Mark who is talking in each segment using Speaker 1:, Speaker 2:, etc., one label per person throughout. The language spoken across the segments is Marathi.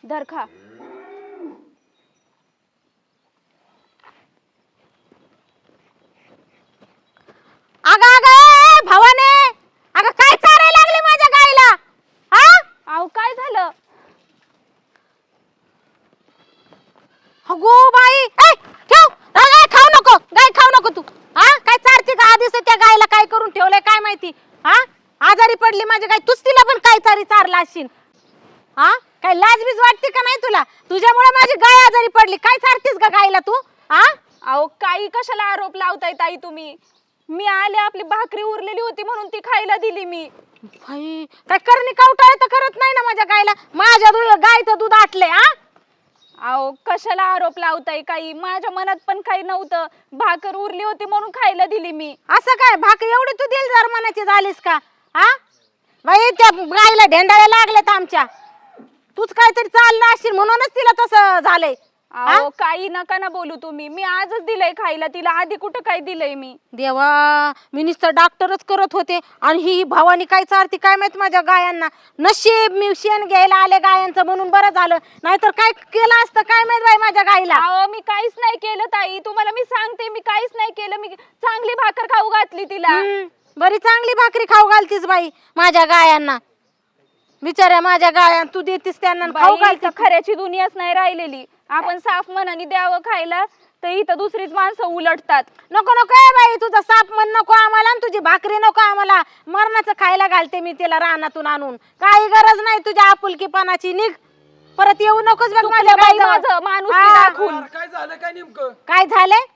Speaker 1: धर खा.
Speaker 2: अगं अगं भवाने, अगं काय चारायला लागली माझ्या गाईला? हा
Speaker 1: अहो काय झालं?
Speaker 2: अगो बाई, ए ठेव. गाय खाऊ नको, गाय खाऊ नको तू. हा काय चारती का? आधीच त्या गायला काय करून ठेवलंय काय माहिती? हा आजारी पडली माझी गाय, तूच तिला पण काय चारी चारला असशील. हा काय लाजबीज वाटते का नाही तुला? तुझ्यामुळे माझी गाय आजारी पडली. काय चारतीस का गायला तू? हा
Speaker 1: अहो काही कशाला आरोप लावताय ताई तुम्ही? मी आले, आपली भाकरी उरलेली होती म्हणून ती खायला दिली मी.
Speaker 2: भाई काय करणी कावटाळ तर करत नाही ना माझ्या गायला? माझ्या गायचं दूध आटले. हा
Speaker 1: अहो कशाला आरोप लावताय? काही माझ्या मनात पण काही नव्हतं. भाकर उरली होती म्हणून खायला दिली मी.
Speaker 2: असं काय भाकर एवढी तू दिलदार मनाची झालीस का? हा बाई त्या गायला ढेंडाळ्या लागल्यात आमच्या. तूच काहीतरी चालला असशील म्हणूनच तिला तसं झालंय.
Speaker 1: अहो काही नका ना बोलू तुम्ही. मी आजच दिलंय खायला तिला, आधी कुठं काय दिलंय मी?
Speaker 2: देवा, मी नुसतं डॉक्टरच करत होते आणि ही भवानी काय चारती काय माहित माझ्या गायांना. नशीब मी शेण घ्यायला आले गायांचं म्हणून बरं झालं, नाहीतर काय केलं असतं काय माहित बाई माझ्या गाईला.
Speaker 1: अहो मी काहीच नाही केलं ताई, तुम्हाला मी सांगते मी काहीच नाही केलं. मी चांगली भाकर खाऊ घातली तिला.
Speaker 2: बरी चांगली भाकरी खाऊ घालतीस बाई माझ्या गायांना. बिचाऱ्या माझ्या गाया तू देतीस त्यांना खाऊ घालते.
Speaker 1: खऱ्याची दुनियाच नाही राहिलेली. आपण साफ मनाने द्यावं खायला तर इथं दुसरीच माणसं उलटतात.
Speaker 2: नको नको ए बाई, तुझा साप मन नको आम्हाला आणि तुझी भाकरी नको आम्हाला. मरणाचं खायला घालते मी तिला रानातून आणून. काही गरज नाही तुझ्या आपुलकीपणाची. निघ, परत येऊ नकोस बघ माझ्या गाईजवळ.
Speaker 1: माणूस दाखवून.
Speaker 3: काय झालं काय नेमकं?
Speaker 2: काय झाले?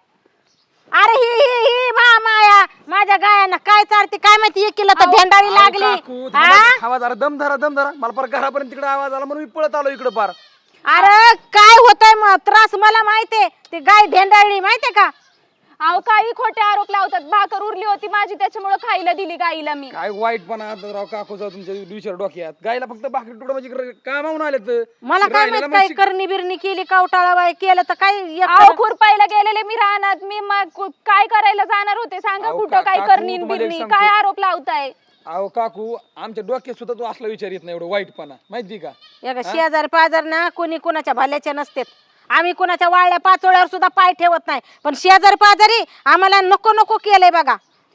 Speaker 2: अरे ही ही ही माया माझ्या गायांना काय चारते काय माहिती? एकीला तर भेंडाळी लागली.
Speaker 3: आवाज जरा दम धरा दम धरा. मला परत घरापर्यंत तिकडे आवाज आला म्हणून मी पळत आलो इकडे पार.
Speaker 2: अरे काय होतंय मग त्रास मला माहितीये. ते गाय भेंडाळली माहितीये का?
Speaker 1: अहो काही खोटे आरोप लावतात. भाकर उरली होती माझी त्याच्यामुळे खायला दिली गाईला मी.
Speaker 3: काय वाईटपणा राव काकूचा तुमच्या विचार डोक्यात. गायला फक्त भाकरी तुकडा म्हणजे कामावून आले तर
Speaker 2: मला काय माहित काय करणी बिरणी केली कावटाळा बाई केलं तर काय.
Speaker 1: अहो खुरपायला गेलेले मी रानात. मी काय करायला जाणार होते सांगा? कुठं काय करणी बिरणी? काय आरोप लावताय?
Speaker 3: अहो काकू आमच्या डोक्यात सुद्धा तो असला विचार येत नाही एवढं वाईटपणा माहिती का?
Speaker 2: शेजार पाजार ना कोणी कोणाच्या भल्याचे नसतेत. आम्ही कोणाच्या वाळल्या पाचोळ्यावर सुद्धा पाय ठेवत नाही, पण शेजार पाजारी आम्हाला नको नको केलंय बघा.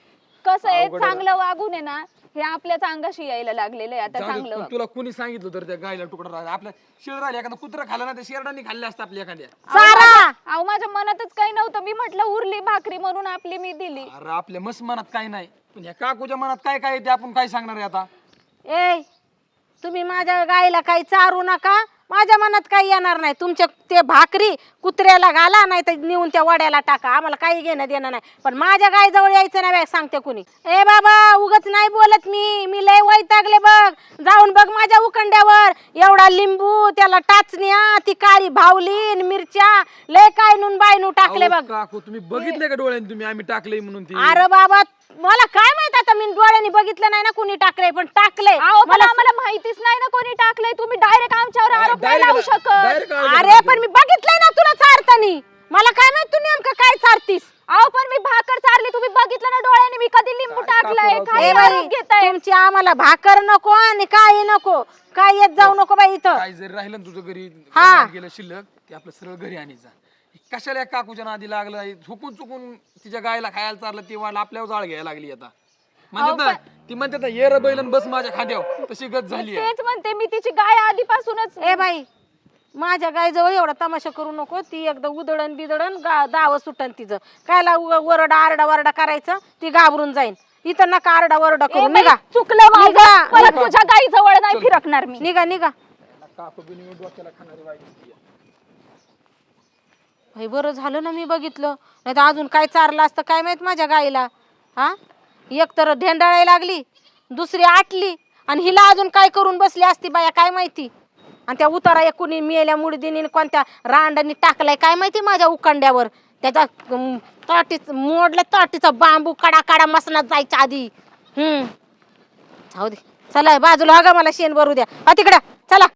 Speaker 1: कसं आहे चांगलं वागून आहे ना हे आपल्याच अंगाशी यायला लागलेलं आहे आता. चांगलं
Speaker 3: तुला कोणी सांगितलं तर त्या गायला तुकडा आपल्या शेळ राहिला एखादा कुत्रा खाल्ला ना त्या शेरडांनी खाल्ले असतं आपल्या एखाद्या.
Speaker 1: अहो माझ्या मनातच काही नव्हतं. मी म्हटलं उरली भाकरी म्हणून आपली मी दिली.
Speaker 3: अरे आपल्या मस्त मनात काही नाही, पण या काकूच्या मनात काय काय ते आपण काय सांगणार आहे आता?
Speaker 2: ए तुम्ही माझ्या गायला काही चारू नका. माझ्या मनात काही येणार नाही. तुमच्या ते भाकरी कुत्र्याला घाला नाही तर नेऊन त्या वड्याला टाका. आम्हाला काही घेणं देणं नाही, पण माझ्या गायजवळ यायचं नाही सांगते कुणी. ए बाबा उगच नाही बोलत मी लय वैतागले बघ. जाऊन बघ माझ्या उकंड्यावर एवढा लिंबू, त्याला टाचण्या, ती काळी भावली, मिरच्या, लय काय नून बायनू टाकले बघ.
Speaker 3: काकू तुम्ही बघितले का डोळ्याने तुम्ही आम्ही टाकले म्हणून?
Speaker 2: अरे बाबा मला काय माहित आता, मी डोळ्याने बघितलं नाही ना कुणी टाकलंय, पण टाकलंय.
Speaker 1: मला माहितीच नाही ना कोणी टाकलंय. तुम्ही डायरेक्ट आमच्यावर आरोप नाही लावू शकत.
Speaker 2: अरे पण मी बघितलंय ना तुला चारतानी. मला काय माहित तू नेमकं काय चारतीस?
Speaker 1: अहो पण मी भाकर चारली, तुम्ही बघितलं ना डोळ्याने मी कधी लिंबू टाकलंय. काय आरोप घेताय?
Speaker 2: तुमची आम्हाला भाकर नको आणि काही नको, काय येत जाऊ नको बाई इथं.
Speaker 3: काय जरी राहिलं ना तुझं घरी गेलं शिल्लक ते आपलं सरळ घरी आणायचं. कशाला या काकूच्या नादी लागलं? झुकून चुकून तिच्या गायला खायला चाललं ते वाढ आपल्यावर जाळ घ्यायला लागली आता. म्हणतात ना ती म्हणतात ना ये र बैलन बस माझ्या खांद्यावर, तशी गत झाली.
Speaker 1: तेच म्हणते मी, तिची गाय आधीपासूनच.
Speaker 2: ए बाई माझ्या गायजवळ एवढा तमाशा करू नको. ती एकदा उदळण बिदळण दाव सुटन तिचं. कायला वरडा आरडा वरडा करायचं? ती घाबरून जाईन. इथं नका आरडा वरडा करू. निघा.
Speaker 1: चुकलं माझं. परत तुझ्या गाई जवळ नाही फिरकणार मी.
Speaker 2: निघा निघा.
Speaker 3: काकू बिनी डोक्याला खाणारी वाईट.
Speaker 2: भाई बरं झालं ना मी बघितलं, नाही तर अजून काय चारलं असतं काय माहित माझ्या गाईला. हा एक तर ढेंडाळायला लागली, दुसरी आटली, आणि हिला अजून काय करून बसली असती बाया काय माहिती. आणि त्या उतारा एक कुणी मेल्या मुडदीने कोणत्या रांडांनी टाकलाय काय माहिती माझ्या उकंड्यावर. त्याचा ताटीच मोडल्या ताटीचा बांबू काडा काडा मसनात जायच्या आधी. जाऊ दे चला बाजूला. हा गा मला शेण भरू द्या. तिकडं चला.